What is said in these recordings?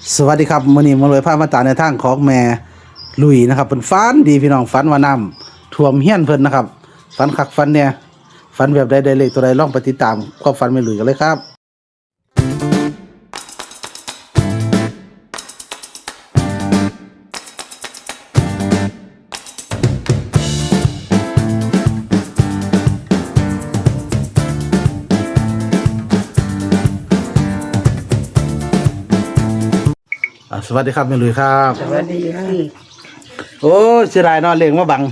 สวัสดีครับมื้อนี้มาเลยพามาตามในทางของแม่ลุยนะครับเพิ่นฝันดีพี่น้องฝันว่าน้ำท่วมเฮียนเพิ่นนะครับฝันคักฝันเนี่ยฝันแบบใดได้เลขตัวใดลองไปติดตามความฝันแม่ลุยกันเลยครับสวัสดีครับแม่ลุยครับสวัสดีค่ะโอ้ยเสียดายเนาะเลขมาบัง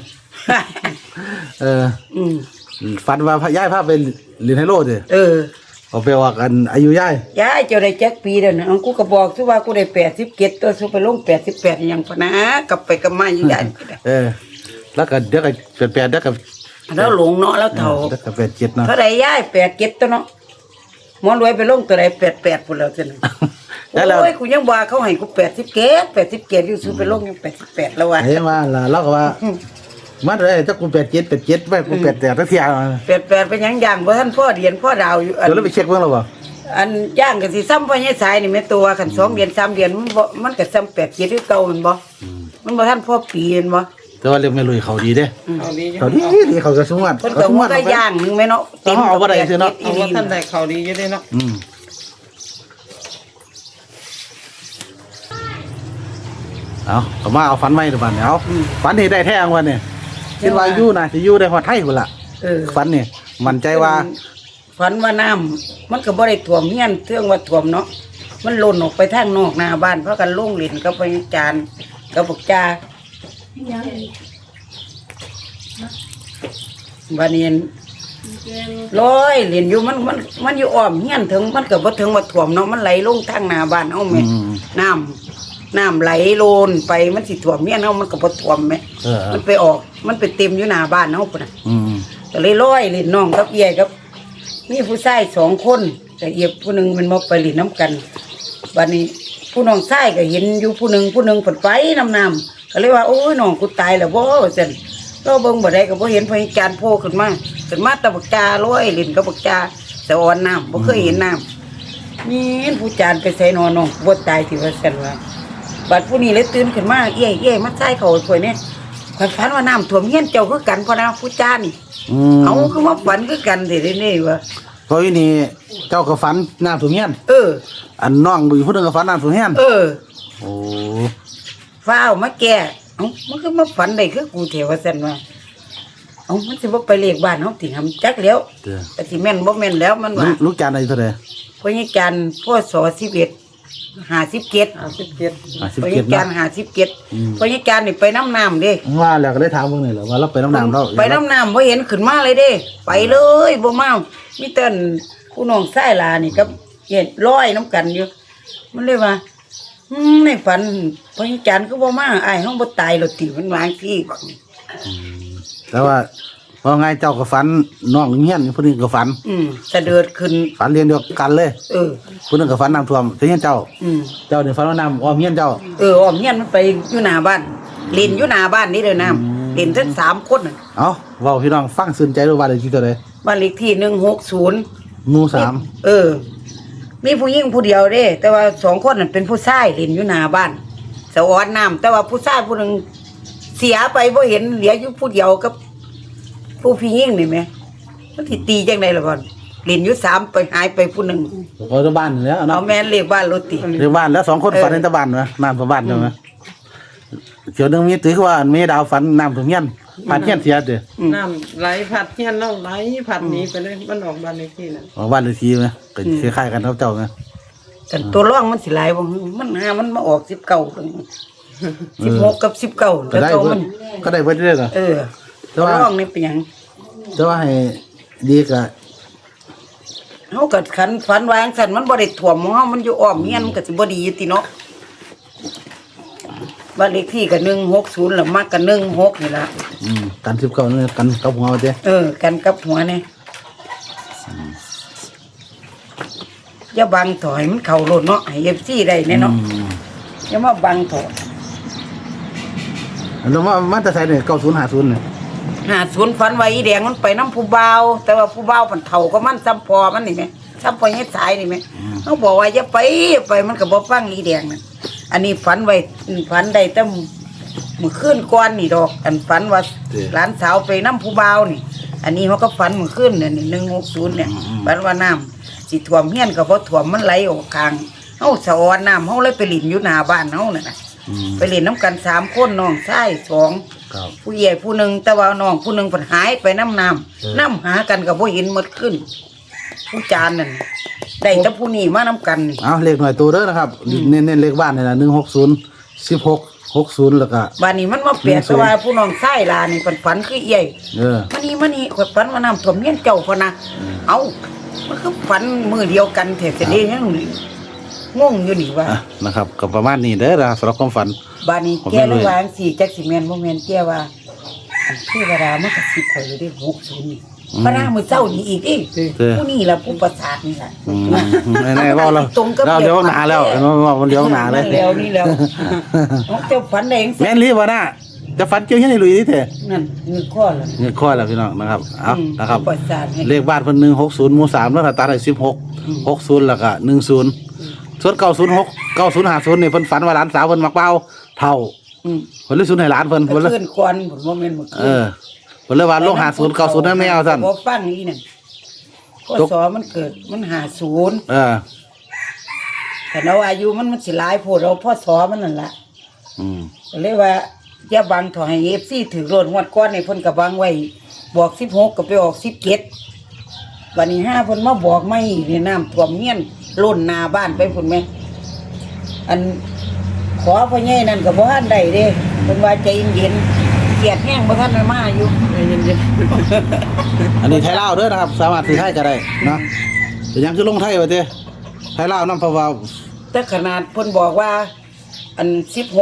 ฝันว่าย้ายพาไปเรียนไฮโลดิเอาไปว่ากันอายุย้ายยายเจ้าได้จักปีเด้อนะกูก็บอกซิว่ากูได้87ตัวสุไปลง88หยังพะนะกลับไปกลับมาอยู่ยายแล้วก็เดี๋ยวก็แปดเดี๋ยวก็แล้วหลงเนาะแล้วเฒ่าเดี๋ยวก็87เนาะเท่าใดยาย87ตัวเนาะหมอรวยไปลงตัวใด88พุ่นแล้วซั่นแล้วโอ้ยกูยังว่าเขาให้กู87อยู่สุไปลงยัง88แล้วว่ะไอ้มาล่ะเราก็ว่ามันได้ถ้ากู87ไว้กู88ทั้งเที่ย 88เป็นหยังย่างบ่ทันพ่อเดือนพ่อดาวอยู่อันเดี๋ยวเราไปเช็คเบิ่งแล้วบ่อันย่างก็สิซ้ำพ่อใหญ่สายนี่แม่ตัวคัน2เดือน3เดือนมันก็ซ้ำ87คือเก่าแม่นบ่มันบ่ทันพ่อปีแม่นบ่แต่ว่าเรื่องแม่ลุยเขาดีเด้เขาดีอยู่เขาดีเขาก็สมวัติเพิ่นก็ว่าก็ย่างนึงแม่เนาะเอาบ่ได้ซื่อเนาะเอาว่าท่านได้เขาดีอยู่เด้เนาะเอามาเอาฝันใหม่ดูบัดเนี่ยเอาฝันที่ได้แท้งวันเนี่ยคิดว่าอยู่น่ะสิอยู่ได้ฮอดไทยพุ่นล่ะฝันนี่มั่นใจว่าฝันว่าน้ำมันก็บ่ได้ท่วมเฮียนเทื่องว่าท่วมเนาะมันหล่นออกไปทางนอกหน้าบ้านเพราะกันลงเล่นกับพญาจารย์กับบักจาบาเนียนร้อยเล่นอยู่มันอยู่อ้อมเฮียนถึงมันก็บ่ถึงว่าท่วมเนาะมันไหลลงทางหน้าบ้านเฮาแม่น้ำไหลโลนไปมันสิท่วมเฮียนเฮามันก็บ่ท่วมแม่มันไปออกมันไปเต็มอยู่หน้าบ้านเฮาพุ่นน่ะก็เลยร้อยเล่นน้องกับเอียกับมีผู้ชาย2คนแต่เอียผู้หนึงมันบ่ไปเล่นน้ำกันบัดนี้ผู้น้องชายก็เห็นอยู่ผู้หนึงเพิ่นไปน้ำก็เลยว่าโอ้ยน้องกูตายแล้วบ่ว่าซั่นเราเบิ่งบ่ได้ก็บ่เห็นพญาจารย์โผล่ขึ้นมาตะบักจาร้อยเล่นกับบักจาสะออนน้ำบ่เคยเห็นน้ำนี่ผู้จารย์ไปใส่นอนน้องบ่ตายที่ว่าซั่นว่าบัดผู้นี้เลยตื่นขึ้นมาเอ้ยมาใส่เขาข่อยเนี่ยข่อยฝันว่าน้ำท่วมเฮียนเจ้าคือกันพอนะผู้จารย์เอาคือมาฝันคือกันสิได้นี่ว่าเพราะวินี่เจ้าก็ฝันน้ำท่วมเฮียนอันน้องดูผู้นึงก็ฝันน้ำท่วมเฮียนโอ้ฟ้าวมาแก่มันก็มาฝันได้คือกูเถว่าซั่นว่ามันสิบ่ไปเลขบ้านเฮาติหำจักแล้วแต่สิแม่นบ่แม่นแล้วมันว่าลูกจานอายุเท่าใดพญาจารย์พ่อสอ11 57 พญาจารย์57พญาจารย์นี่ไปน้ำเด้ว่าแล้วก็ได้ถามเบิ่งนี่แหละว่าเราไปน้ำน้ำเราไปน้ำบ่เห็นขึ้นมาเลยเด้ไปเลยบ่มามีแต่ผู้น้องชายหลานี่กับเฮ็ดร้อยน้ำกันอยู่มันเลยว่าในฝันพญาจารย์ก็บ่มาอ้ายเฮาบ่ตายหรอกติมันวางที่บักแต่ว่าพอไงเจ้าก็ฝันน้องเฮียนผู้นึงก็ฝันสะเดิดขึ้นฝันเรียนเดียวกันเลยผู้นึงก็ฝันน้ำท่วมเฮียนเจ้าเนี่ยฝันว่าน้ำอ้อมเฮียนเจ้าอ้อมเฮียนมันไปอยู่หน้าบ้านเล่นอยู่หน้าบ้านนี่เด้อน้ำเล่นทั้ง3คนน่ะเว้าพี่น้องฟังสนใจรู้ว่าได้ที่เท่าใดบ้านเลขที่160 หมู่3 มีผู้หญิงผู้เดียวเด้แต่ว่า2คนนั่นเป็นผู้ชายเล่นอยู่หน้าบ้านสะออนน้ำแต่ว่าผู้ชายผู้นึงเสียไปบ่เห็นเหลืออยู่ผู้เดียวกับผู้พี่ยิ่งนี่แม่มันสิตีจังได๋ล่ะก่อนเล่นอยู่3ไปหายไปผู้นึงก็ที่บ้านแล้วเนาะเอาแม่นเลขบ้านรถติเลขบ้านแล้ว2คนฝันในตะบ้านนะน้ำตะบ้านใช่มั้ยเดี๋ยวนึงมีตื้อว่ามีดาวฝันน้ำท่วมเฮียนผ่านเฮียนเสียเด้อน้ำไหลผัดเฮียนเราไหลผัดหนีไปเลยมันออกบ้านเลขที่น่ะออกบ้านเลขที่มั้ยก็คล้ายๆกันครับเจ้ามั้ยแต่ตัวร่องมันสิหลายบ่มันมันมาออก19ถึง16กับ19แล้วตัวมันก็ได้เบิดเด้อแต่ว่าร่องนี่เป็นหยังแต่ว่าให้ดีก็เฮาก็ขันฝันวางซั่นมันบ่ได้ท่วมเฮามันอยู่อ้อมเฮียนมันก็สิบ่ดีอยู่ติเนาะบ้านเลขที่ก็160แล้วมักก็16นี่ล่ะกัน19นี่กันกับหัวเด้กันกับหัวนี่อย่าบังถอยมันเข้ารถเนาะให้ FC ได้แน่เนาะอย่ามาบังถอยแล้วมันจะใส่เนี่ย9050เนี่ย 50ฝันว่าอีแดงมันไปน้ำผู้บ่าวแต่ว่าผู้บ่าวมันเฒ่าก็มันซ้ำพอมันนี่แม่ซ้ำไปให้สายนี่แม่เขาบอกว่าอย่าไปมันก็บ่ฟังอีแดงนั่นอันนี้ฝันไว้ฝันได้แต่มื้อคืนก่อนนี่ดอก อันฝันว่าหลานสาวไปนำผู้บ่าวนี่ อันนี้เขาก็ฝันมื้อคืนเนี่ยนี่160เนี่ยฝันว่าน้ำสิท่วมเฮียนก็บ่ท่วมมันไหลออกข้างเฮาสะออนน้ำเฮาเลยไปหลินอยู่หน้าบ้านเฮานั่นน่ะไปเล่นน้ำกัน3คนน้องชาย2 ครับผู้ใหญ่ผู้หนึ่งแต่ว่าน้องผู้หนึ่งเพิ่นหายไปน้ำหากันก็บ่เห็นหมดขึ้น ผู้จานนั่นได้แต่ผู้นี้มาน้ำกันนี่เอาเลขหน่อยตัวเด้อนะครับเน้นเลขบ้านนี่ล่ะ160 1660แล้วก็บ้านนี้มันมาเปลี่ยนแต่ว่าผู้น้องชายลานี่เพิ่นฝันคือใหญ่ มานี่ข่อยฝันว่าน้ำท่วมเฮียนเจ้าพะนะเอ้ามันคือฝันมื้อเดียวกันแท้ๆนี่ยังงงอยู่นี่ว่านะครับก็ประมาณนี้เด้อนะสำหรับความฝันบ้านนี้แกเลยว่าจังซี่จักสิแม่นบ่แม่นแกว่าเทวดามันก็สิข่อยอยู่ได้60นี่พระนางมื้อเช้านี่อีกอีผู้นี่ล่ะผู้ประสาทนี่ล่ะแน่ๆว่าเราตรงกับเดี๋ยวหนาแล้วมันเดี๋ยวหนาเลยนี่แล้วน้องเจ้าฝันได้จังซี่แม่นรีบวะน่ะจะฝันเกี่ยวยังไงลุยนี่เถอะนั่นเงินข้อละเงี้ยข้อแล้วพี่น้องนะครับเอานะครับประสาทให้เลขบ้านเพิ่น160หมู่3แล้วก็ตัดได้16 60แล้วก็10ส่วน906 9050นี่เพิ่นฝันว่าหลานสาวเพิ่นมักเป้าเท่า เพิ่นเลยสูญให้หลานเพิ่นเมื่เพิ่นเลยอคืนก่อนผมว่าแม่นเมื่อคืนเพิ่นเลยว่าลง50 90นั่นไม่เอาซั่นบ่ฟังอีนั่นข้อสอมันเกิดมัน50แต่เราอายุมันสิหลายโพดเราพ่อสอมันนั่นล่ะก็เลยว่าอย่าบังถอยให้ FC ถือโลดงวดก่อนนี่เพิ่นก็บังไว้บอก16ก็ไปออก17วันนี้5เพิ่นมาบอกไม่นี่น้ำท่วมเฮียนล้นหน้าบ้านไปพุ่นแม่อันขอพ่อใหญ่นั่นก็บ่ทันได้เด้เพิ่นว่าใจเย็นๆเกลียดแห้งบ่ทันได้มาอยู่เย็นอันนี้ไทยลาวเด้อนะครับสามารถซื้อไทยก็ได้เนาะแต่ยังคือลงไทยว่าติไทยลาวนำเพราะว่าแต่ขนาดเพิ่นบอกว่าอัน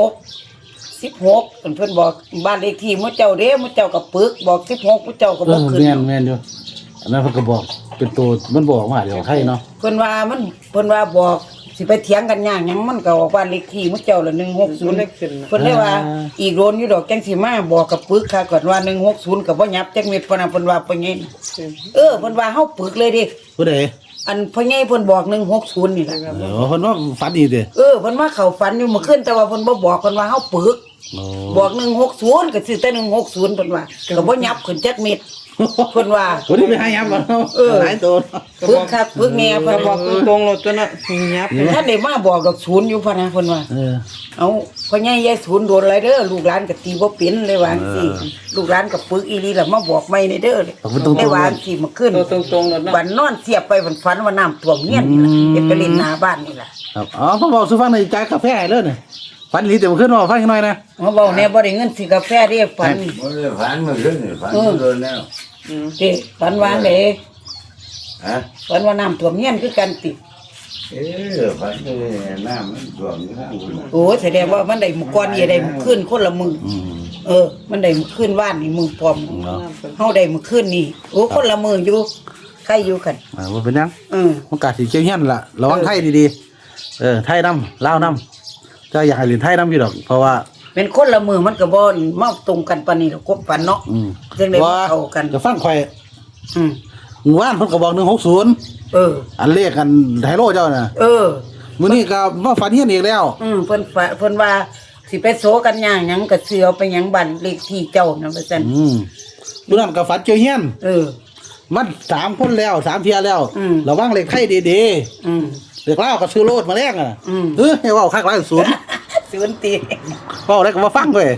16เพิ่นบอกบ้านเลขที่มื้อเจ้าเด้มื้อเจ้าก็ปึกบอก16มื้อเจ้าก็บ่ขึ้นแม่นอยู่อันนั้นเพิ่นก็บอกเป็นตัวมันบอกมาเดี๋ยวไทยเนาะเพิ่นว่าบอกสิไปเถียงกันยากหยังมันก็ออกบ้านเลขที่มื้อเจ้าละ160 เล็กขึ้นเพิ่นเลยว่าอีกโดนอยู่ดอกจังสิมาบอกกับปึกค่ะก่อนว่า160ก็บ่ยับจักเม็ดเพิ่นน่ะเพิ่นว่าเพิ่นไงเพิ่นว่าเฮาปึกเลยเดิผู้ใดอันพ่อใหญ่เพิ่นบอก160นี่ล่ะเพิ่นว่าฝันดีเด้เพิ่นว่าเข้าฝันอยู่เมื่อคืนแต่ว่าเพิ่นบ่บอกเพิ่นว่าเฮาปึก บอก160ก็ซื้อแต่160เพิ่นว่าก็บ่ยับขึ้นจักเม็ดเพิ่นว่าวันนี้ไปหายับบ่หลายตัวปึกคักปึกแง่ก็เพิ่นบอว่ากตรงๆเลยตัวน่ะยับท่านได้มาบอกดอกศูนย์อยู่พะนะเพิ่นว่า เอาพ่อใหญ่ยายศูนย์โดนอะไรเด้อลูกหลานก็ตีบ่เป็นเลยว่าจังซี่ลูกหลานก็ปึกอีหลีล่ะมาบอกใหม่ในเด้อเลยได้ว่าจังซี่มาขึ้นตัวตรงๆเลยเนาะบันนอนเสียบไปบันฝันว่าน้ำท่วมเฮียนนี่ล่ะเฮ็ดไปเล่นหน้าบ้านนี่ล่ะครับอ๋อผมบอกสู่ฟังในใจกาแฟให้เลยนี่ฝันดีแต่บ่ขึ้นว่าฟังหน่อยนะมาเว้าแน่บ่ได้เงินซื้อกาแฟเด้ฝันบ่ได้ฝันเมื่อคืนนี่ฝันโดนแล้วเด้ฝันว่าเด้ฮะฝันว่าน้ำท่วมเฮียนคือกันติฝันเลยน้ำมันท่วมอยู่ข้างบนน่ะโอ้แสดงว่ามันได้มื้อก่อนนี่ได้มื้อคืนคนละมื้อมันได้มื้อคืนว่านนี่มื้อพร้อมเฮาได้มื้อคืนนี่โอ้คนละมื้ออยู่ใครอยู่กันบ่เป็นหยัง มันกาสิเกี่ยวเฮียนล่ะระวังไทยดีๆไทยนำลาวนำจะอยากให้เรียนไทยนำอยู่ดอกเพราะว่าเป็นคนละมือมันก็บ่มาตรงกันปานนี้หรอกกบปันเนาะจังได๋บ่เข้ากันจะฟังข่อยอืมหมู่บ้านเพิ่นก็บอก160 เอออันเลขกันไฮโลเจ้าน่ะเออมื้อนี้ก็มาฝันเฮียนอีกแล้วเพิ่นว่าสิไปโซกันย่างหยังก็เสือไปหยังบ้านเลขที่เจ้านั่นว่าซั่นมื้อนั้นก็ฝันเกี่ยวเฮียน มัน3คนแล้ว3เที่ยแล้วระวังเลขไทยดีอืมๆเลขลาวก็ซื้อโลดมาแลกอ่ะให้เว้าคักหลายศูนย์ศูนย์ตีเว้าอะไรก็บ่ฟังเว้ย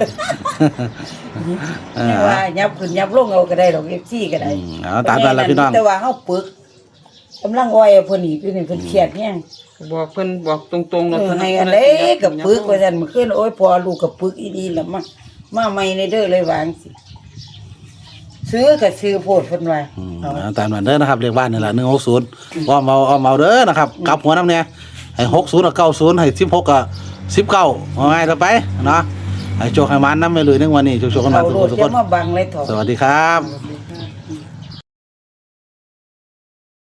ว่ายับขึ้นยับลงเอาก็ได้ดอก FC ก็ได้เอาตามนั้นล่ะพี่น้องแต่ว่าเฮาปึกกำลังอ้อยเอาเพิ่นอีกอยู่นี่เพิ่นเครียดแฮงบอกเพิ่นบอกตรงๆเลยให้อันใดก็ปึกว่าซั่นเมื่อคืนโอ้ยพอลูกก็ปึกอีดีแล้วมาใหม่ในเด้อเลยวาจังสิซื้อก็ซื้อโพดเพิ่นว่าเอาตามนั้นเด้อนะครับเลขบ้านนี่ล่ะ160อ้อมเอาเด้อนะครับกลับหัวนำเนี่ยให้60กับ90ให้16กับ19ว่าไงต่อไปเนาะให้โชคให้มันนำไปเลยในวันนี้โชคๆกันมาเอาโลดทุกจะคนมาบังเลยเถอะสวัสดีครับ